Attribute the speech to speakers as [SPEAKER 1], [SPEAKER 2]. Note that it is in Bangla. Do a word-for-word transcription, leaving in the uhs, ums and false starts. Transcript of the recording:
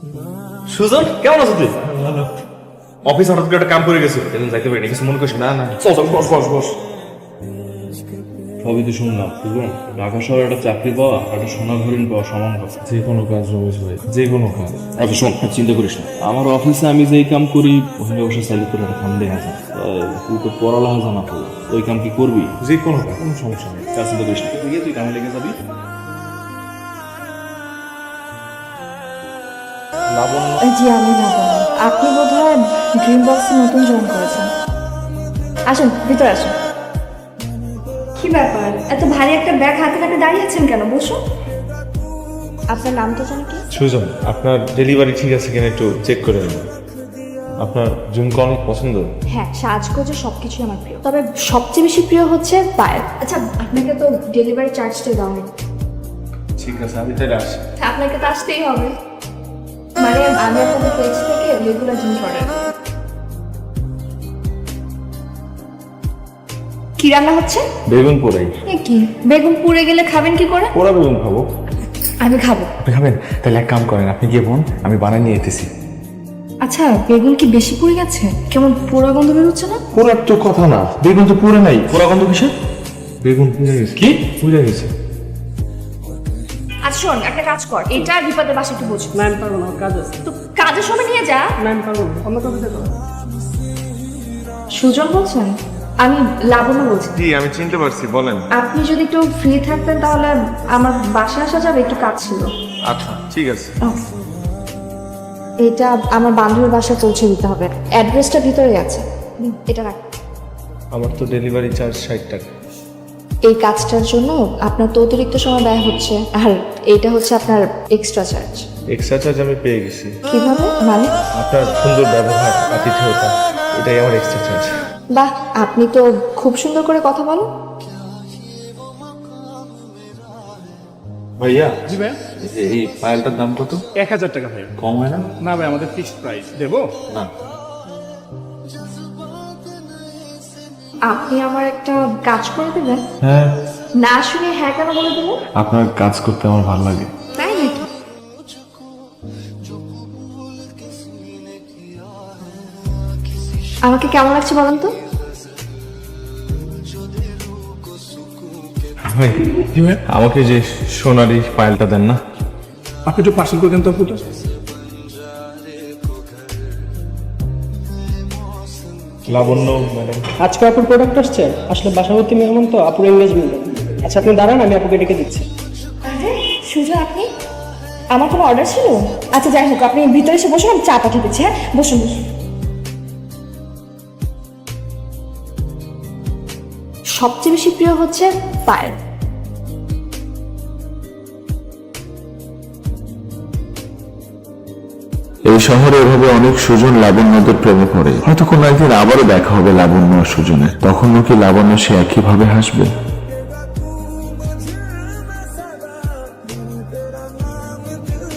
[SPEAKER 1] সুজন কেমন আছো তুই? অফিস হঠাৎ করে একটা কাম করে গেছিল, এদিন যাইতে পারিনি, কিছু মনে করিস না? না চল চল বস বস বস।
[SPEAKER 2] সবই তো শুনলাম বুঝলাম, ঢাকা শহরে একটা চাকরি পাওয়া একটা সোনার হরিণ পাওয়া সমান কথা।
[SPEAKER 3] যে কোনো কাজ রমেশ ভাই, যে কোনো কাজ।
[SPEAKER 2] আচ্ছা শোন, চিন্তা করিস না, আমার অফিসে আমি যেই কাম করি ওখানে বসে চাইলে তোর একটা কাম দেখা যায়। তুই তো পড়ালেখা জানা তো, ওই কাম কি করবি?
[SPEAKER 3] যে কোনো কাজ, কোনো সমস্যা নেই।
[SPEAKER 2] কাজ চিন্তা করিস না, তুই গিয়ে তুই কামে লেগে যাবি।
[SPEAKER 4] জি আমি লাবণ্য। আপনি বোধহয় ড্রিম বক্সে নতুন জয়েন করেছেন। আসুন ভিতরে আসুন। কি ব্যাপার, এত ভারী একটা ব্যাগ হাতে হাতে দাঁড়িয়ে আছেন কেন? বসুন। আপনার নাম তো জানি কি?
[SPEAKER 3] সুজন, আপনার ডেলিভারি ঠিক আছে কিনা একটু চেক করে নেবেন। আপনার ঝুমকা অনেক পছন্দ।
[SPEAKER 4] হ্যাঁ, সাজগোজে সবকিছুই আমার প্রিয়, তবে সবচেয়ে বেশি প্রিয় হচ্ছে পায়েল। আচ্ছা, আপনাকে তো ডেলিভারি চার্জটা দেওয়া হয়নি।
[SPEAKER 3] ঠিক আছে, আমি তাহলে আসি।
[SPEAKER 4] আপনাকে তো আসতেই হবে, মানে আমি আপনাদের পেজ থেকে রেগুলার জিনিস অর্ডার। কি রান্না হচ্ছে?
[SPEAKER 3] বেগুন পোড়াই।
[SPEAKER 4] এ কি, বেগুন পুড়ে গেলে খাবেন কি করে?
[SPEAKER 3] পোড়া বেগুন খাবো।
[SPEAKER 4] আমি খাবো।
[SPEAKER 3] আপনি খাবেন? তাহলে এক কাম করেন, আপনি গিয়ে বোন, আমি বানিয়ে নিয়ে যেতেছি।
[SPEAKER 4] আচ্ছা, বেগুন কি বেশি পুড়ে গেছে? কেমন পোড়া গন্ধ বেরোচ্ছে না?
[SPEAKER 3] পোড়ার তো কথা না, বেগুন তো পুড়ে নাই।
[SPEAKER 1] পোড়া গন্ধ কিসে?
[SPEAKER 3] বেগুন পুড়ে গেছে।
[SPEAKER 1] কি?
[SPEAKER 3] পুড়ে গেছে।
[SPEAKER 4] আচ্ছা শোন, একটা কাজ কর, এটা বিপদের বাসা একটু বুঝ।
[SPEAKER 5] না আমি পারবো না, আমার কাজ আছে।
[SPEAKER 4] তো কাজের সময় নিয়ে যা।
[SPEAKER 5] না আমি পারবো না, অন্য কাউকে দেখো।
[SPEAKER 4] সুজন বলছেন? আমি লাবণ্য বলছি।
[SPEAKER 3] জি আমি চিনতে পারছি, বলেন।
[SPEAKER 4] আপনি যদি একটু ফ্রি থাকতেন তাহলে আমার বাসায় আসা যাবে, একটু কাজ ছিল।
[SPEAKER 3] আচ্ছা ঠিক আছে।
[SPEAKER 4] এটা আমার বান্ধবীর বাসায় পৌঁছে দিতে হবে, অ্যাড্রেসটা ভিতরে আছে। নিন, এটা রাখ।
[SPEAKER 3] আমার তো ডেলিভারি চার্জ ষাট টাকা।
[SPEAKER 4] এই কাজটার জন্য আপনার তো অতিরিক্ত সময় ব্যয় হচ্ছে, আর এটা হচ্ছে আপনার এক্সট্রা চার্জ।
[SPEAKER 3] এক্সট্রা চার্জ আমি পেয়ে গেছি।
[SPEAKER 4] কিভাবে মানে?
[SPEAKER 3] আপনার সুন্দর ব্যবহার, আতিথেয়তা, এটাই আমার এক্সট্রা চার্জ।
[SPEAKER 4] বাহ, আপনি তো খুব সুন্দর করে কথা বলেন।
[SPEAKER 3] ভাইয়া,
[SPEAKER 5] জি ভাই,
[SPEAKER 3] এই পায়েলটার দাম কত?
[SPEAKER 5] এক হাজার টাকা ভাই।
[SPEAKER 3] কম হয় না?
[SPEAKER 5] না ভাই, আমাদের ফিক্সড প্রাইস। দেবো?
[SPEAKER 3] না।
[SPEAKER 4] আপনি আমার একটা কাজ করে দেবেন?
[SPEAKER 3] হ্যাঁ।
[SPEAKER 4] না শুনে হ্যাঁ কেন বলে দেবেন?
[SPEAKER 3] আপনার কাজ করতে আমার ভালো লাগে।
[SPEAKER 4] তাই নাকি? আমাকে কেমন লাগছে বলেন তো?
[SPEAKER 3] ভাই, আমাকে যে সোনারি পায়েলটা দেন না?
[SPEAKER 5] আপনি একটু পার্সেল করে দেন তো আপুটা।
[SPEAKER 3] লাবণ্য ম্যাডাম।
[SPEAKER 6] আজকে আপুর প্রোডাক্ট আসছে, আসলে বাসাবতী মেহমান তো আপুর এঙ্গেজমেন্ট। আচ্ছা আপনি দাঁড়ান, আমি আপুকে ডেকে দিচ্ছি।
[SPEAKER 4] আরে সুজন, আপনি? আমার কোনো অর্ডার ছিল? আচ্ছা যাই হোক, আপনি ভিতরে এসে বসুন, আমি চা পাঠিয়ে দিচ্ছি। হ্যাঁ বসুন বসুন। সবচেয়ে বেশি প্রিয় হচ্ছে পায়েল।
[SPEAKER 7] এই শহরে এভাবে অনেক সুজন লাবণ্যদের প্রেমে পড়ে। হয়তো কোনো একদিন আবারও দেখা হবে লাবণ্য আর সুজনের। তখন কি লাবণ্য সে একইভাবে হাসবে?